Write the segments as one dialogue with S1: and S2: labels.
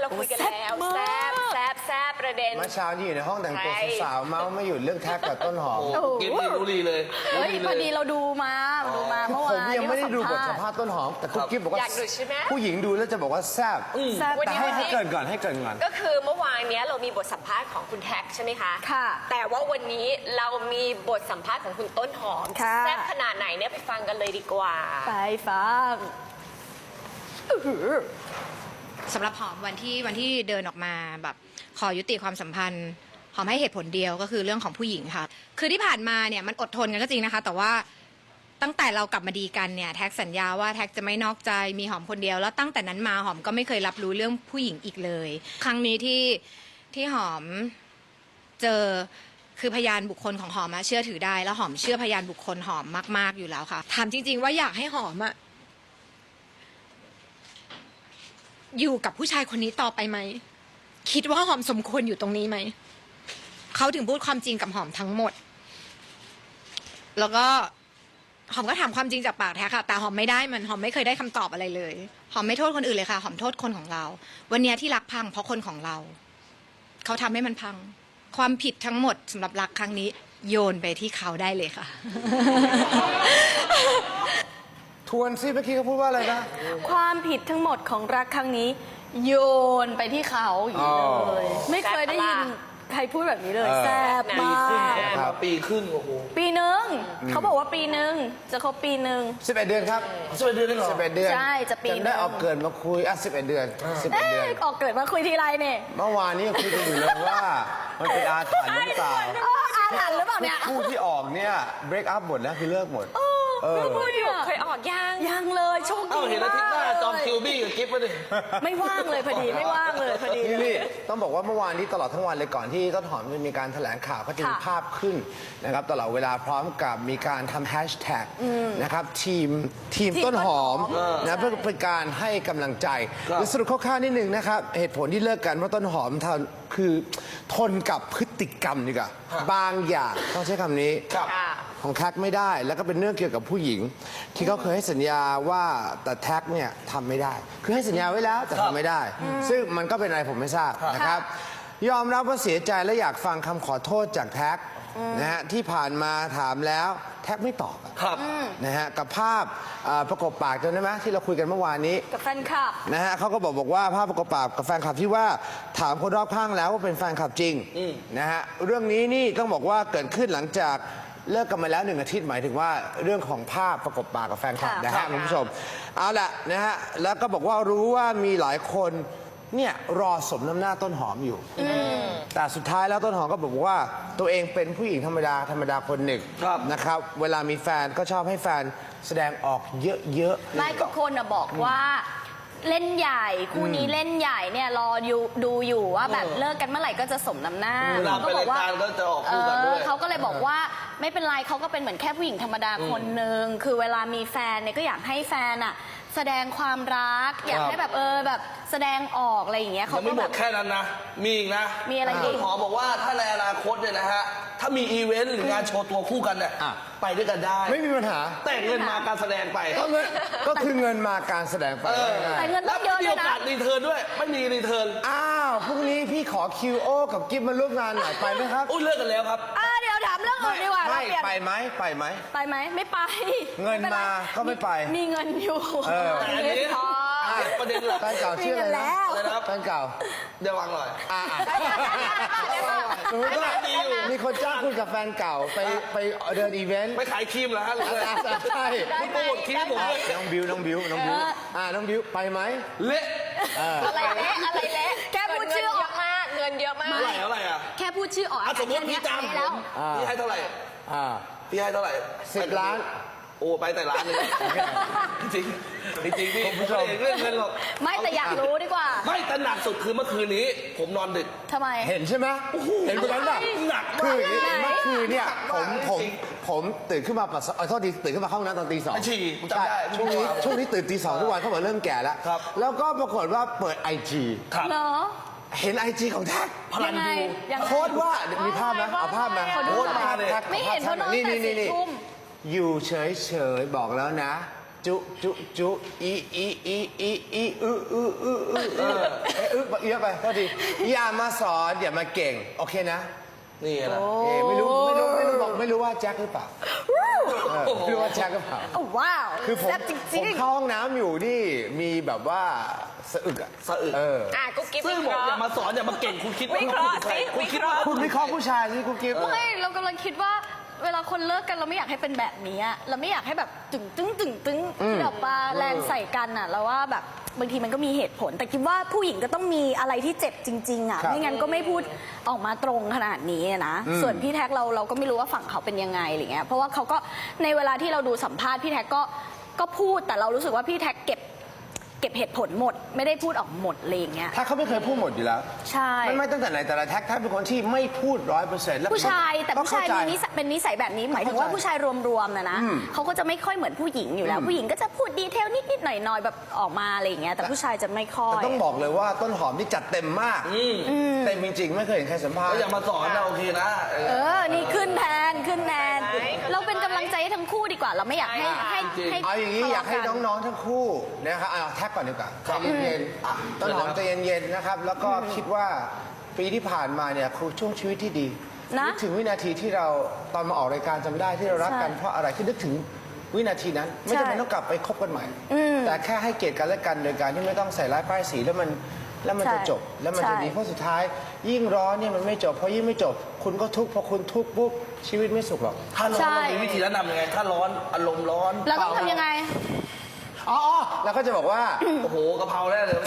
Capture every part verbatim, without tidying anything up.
S1: เราคุยกันแล้วแซบแซบแซบประเด็น
S2: เมื่อเช้าที่อยู่ในห้องแต่งตัวสาวๆเมาไม่หยุดเรื่องแท็กกับต้นหอม
S3: กินนี่รู้ดีเลย
S4: เฮ้ยพอดีเราดูมาดูมาเมื่อวาน
S2: ผมยังไม่ได้ดูบทสัมภาษณ์ต้นหอมแต่กุ๊กกิ๊บบอกว่า
S1: อยากดูใช่ไหม
S2: ผู้หญิงดูแล้วจะบอกว่าแซ่บ
S4: แซ่บ
S1: วัน
S2: แต่
S1: นี้
S2: ให้
S1: วัน
S2: ให้
S1: นี้
S2: เกรินก่อนให้เกรินก่อน
S1: ก็คือเมื่อวานเนี้ยเรามีบทสัมภาษณ์ของคุณแท็กใช่ไหมคะ
S4: ค่ะ
S1: แต่ว่าวันนี้เรามีบทสัมภาษณ์ของคุณต้นหอม
S4: ค่ะ
S1: แซ่บขนาดไหนเนี่ยไปฟังกันเลยดีกว่า
S4: ไปฟัง
S5: สำหรับหอมวันที่วันที่เดินออกมาแบบขอยุติความสัมพันธ์หอมให้เหตุผลเดียวก็คือเรื่องของผู้หญิงค่ะคือที่ผ่านมาเนี่ยมันอดทนกันก็จริงนะคะแต่ว่าตั้งแต่เรากลับมาดีกันเนี่ยแท็กสัญญาว่าแท็กจะไม่นอกใจมีหอมคนเดียวแล้วตั้งแต่นั้นมาหอมก็ไม่เคยรับรู้เรื่องผู้หญิงอีกเลย ครั้งนี้ที่ที่หอมเจอคือพยานบุคคลของหอมอะเชื่อถือได้แล้วหอมเชื่อพยานบุคคลหอมมากๆอยู่แล้วค่ะถามจริง ๆ ว่าอยากให้หอมอะอยู่กับผู้ชายคนนี้ต่อไปไหมคิดว่าหอมสมควรอยู่ตรงนี้ไหมเขาถึงพูดความจริงกับหอมทั้งหมด แล้วก็หอมก็ถามความจริงจากปากแท้ค่ะแต่หอมไม่ได้มันหอมไม่เคยได้คำตอบอะไรเลยหอมไม่โทษคนอื่นเลยค่ะหอมโทษคนของเรา วันนี้ที่รักพังเพราะคนของเราเขาทำให้มันพังความผิดทั้งหมดสำหรับรักครั้งนี้โยนไปที่เขาได้เลยค่ะ
S2: ทวนซิเมื่อกี้เขาพูดว่าอะไรนะ
S4: ความผิดทั้งหมดของรักครั้งนี้ โยนไปที่เขาอย่างนี้เลย ไม่เคยได้ยินใครพูดแบบนี้เลย
S2: เออ
S4: แซ่บ
S3: ปี
S4: มา
S3: ครึ่ง
S4: ก
S3: คบกันมาปีครึ่งโอ้โห
S4: ปีหนึ่งเขาบอกว่าปีหนึ่งจะครบปีหนึ่ง
S2: สิบเอ็ดเดือนครับ
S3: สิบเอ็ดเดือนได้เหรอ
S2: สิบเอ็ดเดือน
S4: ใช่จะปี
S2: จำได้เอาเกินมาคุยอ่ะสิบเอ็ดเดือนสิบเอ็ด
S4: เอ๊
S2: เดือน
S4: ะออกเกิดมาคุยทีไรเนี่ย
S2: เมื่อวานนี้ยังคุยกันอยู่เลยว่ามันเป็นอาถรรพ์หรือเปล่า
S4: เอออาถรรพ์หรือเปล่าเนี่ย
S2: คู่ที่ออกเนี่ย break up หมดแล้วคือเลิกหมด เออ
S4: พูดอยู่
S1: เคยออกยัง
S4: ยังเลยโชค
S3: เอ้า
S4: ดี
S3: เห็นอาทิตย์หน้าจอม
S4: เลย
S3: คิวบี้กับกิฟต์มาดิ
S4: ไม่ว่างเลยพอดีไม่ว่างเลยพอดี
S2: นี่นี่ต้องบอกว่าเมื่อวานนี้ตลอดทั้งวันเลยก่อนที่ต้นหอมจะมีการแถลงข่าวก็จะมี
S4: ค่ะ
S2: ภาพขึ้นนะครับตลอดเวลาพร้อมกับมีการทำแฮชแท็กนะครับทีมทีม
S4: ทีม
S2: ต้นหอม
S4: ต้นหอม
S2: นะเพื่อเป็นการให้กำลังใจ
S3: ครับ
S2: หรือสรุปคร่าวๆนิดนึงนะครับเหตุผลที่เลิกกันเพราะต้นหอมทำคือทนกับพฤติกรรมดีกว่าบางอย่างต้องใช้คำนี้
S3: ครับ
S1: ค่ะ
S2: ของแท็กไม่ได้แล้วก็เป็นเรื่องเกี่ยวกับผู้หญิง ที่เขาเคยให้สัญญาว่าแต่แท็กเนี่ยทำไม่ได้ คือให้สัญญาไว้แล้วแต่ทำไม่ได้ ซึ่งมันก็เป็นอะไรผมไม่ทราบนะครับ ยอมรับว่าเสียใจและอยากฟังคำขอโทษจากแท็กนะฮะที่ผ่านมาถามแล้วแท็กไม่ตอบอะ
S3: ครับ
S2: นะฮะกับภาพเอ่อประกบปากจำได้ไหมที่เราคุยกันเมื่อวานนี้
S4: กับแฟนคลับ
S2: นะฮะเขาก็บอกบอกว่าภาพประกบปากกับแฟนคลับที่ว่าถามคนรอบข้างแล้วว่าเป็นแฟนคลับจริงนะฮะเรื่องนี้นี่ต้องบอกว่าเกิดขึ้นหลังจากเลิกกันมาแล้วหนึ่งอาทิตย์หมายถึงว่าเรื่องของภาพประกบปากกับแฟนคลับ
S4: ค่ะ
S2: นะ
S4: ครั
S2: ฮะ
S4: บ
S2: คุณผู้ชมเอาละนะฮะแล้วก็บอกว่ารู้ว่ามีหลายคนเนี่ยรอสมน้ำหน้าต้นหอมอยู่แต่สุดท้ายแล้วต้นหอมก็บอกว่าตัวเองเป็นผู้หญิงธรรมดาธรรมดาคนหนึ่ง
S3: ครับ
S2: นะครับเวลามีแฟนก็ชอบให้แฟนแสดงออกเยอะๆ
S4: ไม่ทุกคนนะบอกว่าเล่นใหญ่คู่นี้เล่นใหญ่เนี่ยรออยู่ดูอยู่ว่าแบบเลิกกันเมื่อไหร่ก็จะสมน้ำหน้า
S3: เวลาไปรายการก็จะออกคู่กันด้วย
S4: เออเขาก็เลยบอกว่าไม่เป็นไรเขาก็เป็นเหมือนแค่ผู้หญิงธรรมดาคนหนึ่งคือเวลามีแฟนเนี่ยก็อยากให้แฟนอะแสดงความรัก อยากให้แบบเออแบบแสดงออกอะไรอย่างเงี้ย
S3: ยั
S4: เขา
S3: งไม่
S4: ก็
S3: หม
S4: แบ
S3: ด
S4: บ
S3: แค่นั้นนะ มีอีกนะ
S4: มีอะไรอีก
S3: ต้นหอมบอกว่าถ้าในอนาคตเนี่ยนะฮะ ถ้ามีอีเวนต์หรืองานโชว์ตัวคู่กันเนี่ย
S2: อ่ะ
S3: ไปด้วยกันได้
S2: ไม่มีปัญหา
S3: แต่เงินมาการแสดงไป
S2: ก็เงินก็คือเงินมาการแสดงไป
S3: เออ
S4: แต่เงิน
S3: แล้
S4: ต้
S3: ว
S4: องเยอะ
S3: มี
S4: เล
S3: โอย
S4: นะ
S3: กาสรีเทิร์นด้วย ไม่มีรีเทิร์น
S2: อ้าวพรุ่งนี้พี่ขอคิวโอ กับกิฟมาร่วมงานหน่อยไปไหมครับ
S3: อุ้ยเลิกกันแล้วครับ
S4: อ่ะเดี๋ยวถามเรื่องอื่นดีกว่า
S2: ไม่
S4: เราเปลี่ยน
S2: ไปไหมไปไหม
S4: ไปไหมไม่ไป
S2: เงินมาก็ไม่ไป
S4: มีเงินอยู่
S2: เออ
S3: แต่อันนี้
S4: พอ
S3: อ่ะประเด็นหลัก
S2: แฟนเก่าชื่ออะไร
S4: มีเงินแล้
S2: นะ
S4: ว
S3: อะไรนะครับ
S2: แฟนเก่า
S3: เดี๋ยววางหน่อย
S2: อ่าสมมติว่ามีคนจ้างคุณกับแฟนเก่าไปไปเดินอีเวนต์
S3: ไปขายครีมเหรอฮะหรืออะไร
S2: อ่ะใช่
S3: คุณโปรโมทครีมผมด้วย
S2: น้องบิวน้องบิวน้องบิวอ่าน้องบิวไปไหม
S3: เละ
S1: อะไรเละอะไรเละ
S4: แค่พูดชื่อออก
S1: เงินเยอะมากเงินเยอะมาก
S3: เท่าไหร่เท่าไหร่อ่ะ
S4: แค่พูดชื่อออก
S3: อ่ะสมมติพี่จ้างผ
S4: แล้
S3: ม
S4: ว
S3: พี่ให้เท่าไหร่
S2: อ่า
S3: พี่ให้เท่าไหร่
S2: สิบล้าน
S3: โอ้ไปแต่ล้านเลยจริงจริงจริงๆพี่ผมไม่ได้เรื่องเงินหรอก
S4: ไม่แต่อยากรู้ดีกว่า
S3: ไม่แต่หนักสุดคือเมื่อคืนนี้ ผมนอนดึก
S4: ทำไม
S2: เห็นใช่ไหมเห็นคนนั้นป่ะ
S3: หนักมาก
S2: คืออย่างนี้
S4: ไหน
S2: เมื่อคืนเนี่ยผมผม
S3: จริง
S2: ผมตื่นขึ้นมาปัสสาวะเอ่อโทษทีตื่นขึ้นมาเข้าห้องน้ำตอนตีสอง
S3: ไปฉี่ผมจำได้
S2: ช่วงนี้ช่วงนี้ตื่นตีสองทุกวันเขาบอกเริ่มแก่แล้ว
S3: ครับ
S2: แล้วก็ปรากฏว่าเปิดไอจี
S3: ครับ
S4: เหรอ
S2: เห็นไอจีของแท็ก
S3: พลัน
S4: ยังไง
S3: ยู
S4: ยังไง
S2: โพสต์ว่าเดี๋ยวมีภาพไหมเอาภาพมา
S4: ขอดู
S2: โพสต์
S4: หน่อย
S2: ภาพแท็ก
S4: ไม่เห็นเพราะนอน
S2: นี่
S4: แต่
S2: นี่นี่
S4: สี่
S2: นี่
S4: ทุ่ม
S2: อยู่เฉยเฉยๆบอกแล้วนะจุจุจุอีอีอีอีอีอืออืออืออือเออเอ้ยอึเยอะไปโทษทีอย่ามาสอนอย่ามาเก่งโอเคนะ
S3: นี่แหละ
S2: เอ้ไม่รู้ไม่รู้ไม่รู้บอกไม่รู้ว่าแจ็คหรือเปล่าเออไม่รู้ว่าแจ็คหรือเปล่า
S4: โอ้ว้าว
S2: คือผม
S4: แซ่บจ
S2: ผ
S4: ริ
S2: ม
S4: ง
S2: เข้าห้องน้ำอยู่นี่มีแบบว่าสะอึกอะ
S3: สะอึก
S2: เออ
S1: อ่ะกุ๊กกิ๊บ
S3: ซึ่ง
S1: วิ
S3: บอก
S1: เคราะ
S3: อย่า
S1: ห์
S3: มาสอนอย่ามาเก่งคุณคิดว่า
S1: วิเคราะห์สิ
S3: คุณคิด
S1: วิเคราะ
S3: ว่า
S1: ห์
S2: คุณวิเคราะห์ผู้ชายสิคุณกิฟต์
S4: ไม่เรากำลังคิดว่าเวลาคนเลิกกันเราไม่อยากให้เป็นแบบนี้อะเราไม่อยากให้แบบตึงตึงตึงตึงที่แบบว่าแรงใส่กันอะเราว่าแบบบางทีมันก็มีเหตุผล แต่คิดว่าผู้หญิงก็ต้องมีอะไรที่เจ็บจริงๆอะ
S2: ครับ
S4: ไม่งั้นก็ไม่พูดออกมาตรงขนาดนี้อะนะส่วนพี่แท็กเราเราก็ไม่รู้ว่าฝั่งเขาเป็นยังไงอะไรเงี้ยเพราะว่าเขาก็ในเวลาที่เราดูสัมภาษณ์พี่แท็กก็ก็พูดแต่เรารู้สึกว่าพี่แท็กเก็บเก็บเหตุผลหมด ไม่ได้พูดออกหมดอะไรอย่างเงี้ย
S2: ถ้าเขาไม่เคยพูดหมดอยู่แล้ว
S4: ใช่
S2: ไม่ไม่ตั้งแต่ไหนแต่ละแท็กแท็กเป็นคนที่ไม่พูดร้อยเปอร์เซ็นต์แล้ว
S4: ผู้ชายแต่ผู้ชายมีนิสัยเป็นนิสัยแบบนี้หมายถึงว่าผู้ชายรวมๆนะนะเขาก็จะไม่ค่อยเหมือนผู้หญิงอยู่แล้ว ผู้หญิงก็จะพูดดีเทลนิดๆหน่อยๆแบบออกมาอะไรอย่างเงี้ยแต่ผู้ชายจะไม่ค่อย
S2: แต่ต้องบอกเลยว่าต้นหอมนี่จัดเต็มมากเต็มจริงๆไม่เคยเห็นใครสัมภาษ
S3: ก็
S2: ณ์
S3: อย่ามาสอนนะโอเคนะเออ
S4: เออนี่ขึ้นแทนขึ้นแทนเราเป็นกำลังใจให้ทั้งคู่ดีกว่า เราไม่อยากให้ให้ให้
S2: เอาอย่างนี้อยากให้น้องๆทั้งคู่นะครับเอาแท็กก่อนดีกว่าใจเย็นๆต้นหอมใจเย็นๆนะครับแล้วก็คิดว่าปีที่ผ่านมาเนี่ยคือช่วงชีวิตที่ดี
S4: นะ
S2: นึกถึงวินาทีที่เราตอนมาออกรายการจำได้ที่เรารักกัน
S4: ใช่
S2: เพราะอะไรที่นึกถึงวินาทีนั้น ไม่
S4: ใช่
S2: จำเป็นต้องกลับไปคบกันใหม่ แต่แค่ให้เกียรติกันและกันโดยการที่ไม่ต้องใส่ร้ายป้ายสีแล้วมันแล้วมันจะจบแล้วมันจะดีเพราะสุดท้าย ยิ่งร้อนเนี่ยมันไม่จบเพราะยิ่งไม่จบ คุณก็ทุกข์พอคุณทุกข์ปุ๊บชีวิตไม่สุขหรอก
S3: ถ้าร้อน
S4: ใช่
S3: เรามีวิธีแนะนำยังไง ถ้าร้อนอารมณ์ร้อน
S4: เราต้องทำยังไง
S2: อ๋ออ๋อแล้วก็จะบอกว่า
S3: โอ้โหกะเพราแน่เลย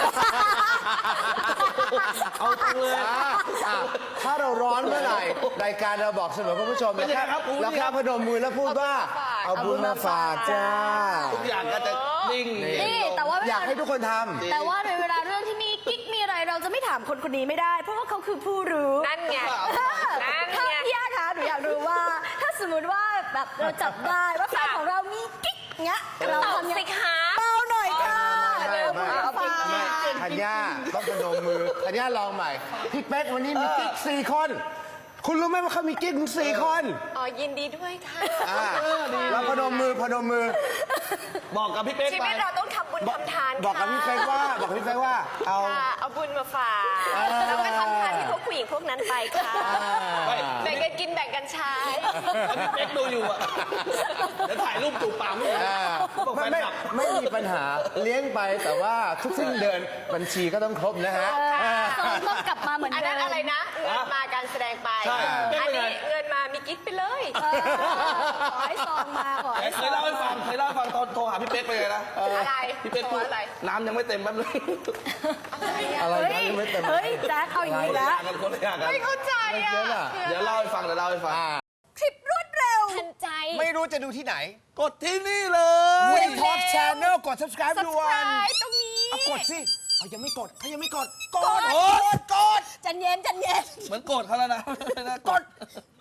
S3: เอาตรงเลย
S2: อ่าอ่าถ้าเราร้อนเมื่อไหร่รายการเราบอกเสมอคุณผู้ชม
S3: เป็นยังไงครับคุณ
S2: แล้วแค่พนมมือแล้วพูดว่าเอา
S4: เอาบุ
S2: บุญ
S4: ญ
S2: มา
S4: มา
S2: ฝา
S4: ฝาก ก
S2: จ้า
S3: ทุกอย่างก็จะนิ่ง
S4: นี่แต่ว่าเว
S2: อยาก
S4: ลา
S2: ให้ทุกคนทำ
S4: แต่ว่าในเวลาเรื่องที่มีกิ๊กมีอะไรเราจะไม่ถามคนคนนี้ไม่ได้ เพราะว่าเขาคือผู้รู้
S1: นั่นไง นั่น
S4: ถ้า
S1: ไง
S4: พี่ย่าคะหนูอยากรู้ว่า ถ้าสมมติว่าแบบเราจับได้ว่าแฟนของเรามีกิ๊กเงี้ยเรา
S1: ตอบ
S4: ทำยัง
S1: สิ
S4: ไง
S1: คะ
S4: เบาหน่อยค่ะ
S2: ไม่
S4: เร็ว
S2: ไม่
S4: เอา
S2: ไม่
S4: ไป
S2: ไม่ธัญญาต้องพนมมือธัญญาลองใหม่พี่เป๊กวันนี้มีกิ๊กสี่คน คุณรู้ไหมว่าเขามีกิ๊กถึงสี่คน
S1: อ๋อยินดีด้วยค่ะ
S2: อ่าแล้วพนมมือพนมมือ
S3: บอกกับพี่เป๊ก
S1: ชี
S3: ไป
S1: วิตเราต้องทำบุญทำทาน
S2: บอกกับพี่เป๊กว่าบอกกับพี่เป๊กว่าเอา
S1: ค่ะเอาบุญมาฝาก
S2: เออ
S1: แล้วก็ทำทานให้พวกผู้หญิงพวกนั้นไปค่ะ
S3: ไม่
S1: แบ่งกันกินแบ่งกันใช้
S3: พี่เป๊กดูอยู่อ่ะเดี๋ยวถ่ายรูปจูบปากมึง
S2: อ่า
S3: บอกแฟ
S2: ไม่
S3: น
S2: ไม่
S3: คลับ
S2: ไม่มีปัญหาเลี้ยงไปแต่ว่าทุกสิ้นเดือนบัญชีก็ต้องครบนะฮะ
S4: สองต้องกลับมาเหมือน
S1: อัน
S4: เดิ
S1: นั้น
S4: ม
S1: อะไรนะ เงินมาการแสดงไป
S3: ใช่
S1: อันนี้เงินมามีกิ๊กไปเลย
S4: เออขอให้ซองมาขอให้
S3: เค
S4: ซอย ง
S3: เล่าให้ฟังเคยเล่าให้ฟังตอนโทรหาพี่เป๊กไปเลยนะ
S1: อะไร
S3: พี่เป๊กพูด
S1: อะไร
S3: น้ำยังไม่เต็มแป๊บนึง
S2: อะไร
S4: เฮ้ย
S2: นะยังไม่เต็ม
S4: เฮ้ยแจ๊คเอาอย่างนี้แล้ว
S3: กันคนละอย่างกัน
S1: ไม่เข้าใจ
S2: ไม่
S1: อ่ะ
S2: เยอะน่ะ
S3: เดี๋ยวเล่าให้ฟังเดี๋ยวเล่าให้ฟัง
S4: คลิปรวดเร็ว
S1: ทันใจ
S2: ไม่รู้จะดูที่ไหน
S3: กดที่นี่เลย
S2: วีทอล์กชานอลกด subscribe ด่วน
S1: subscribe ตรงนี้
S2: เอากดสิเอายังไม่กดเขายังไม่กด กด
S3: กด
S2: กด
S4: จันเย็นจันเย็น
S3: เหมือนโกรธเขาแล้วนะ
S2: กด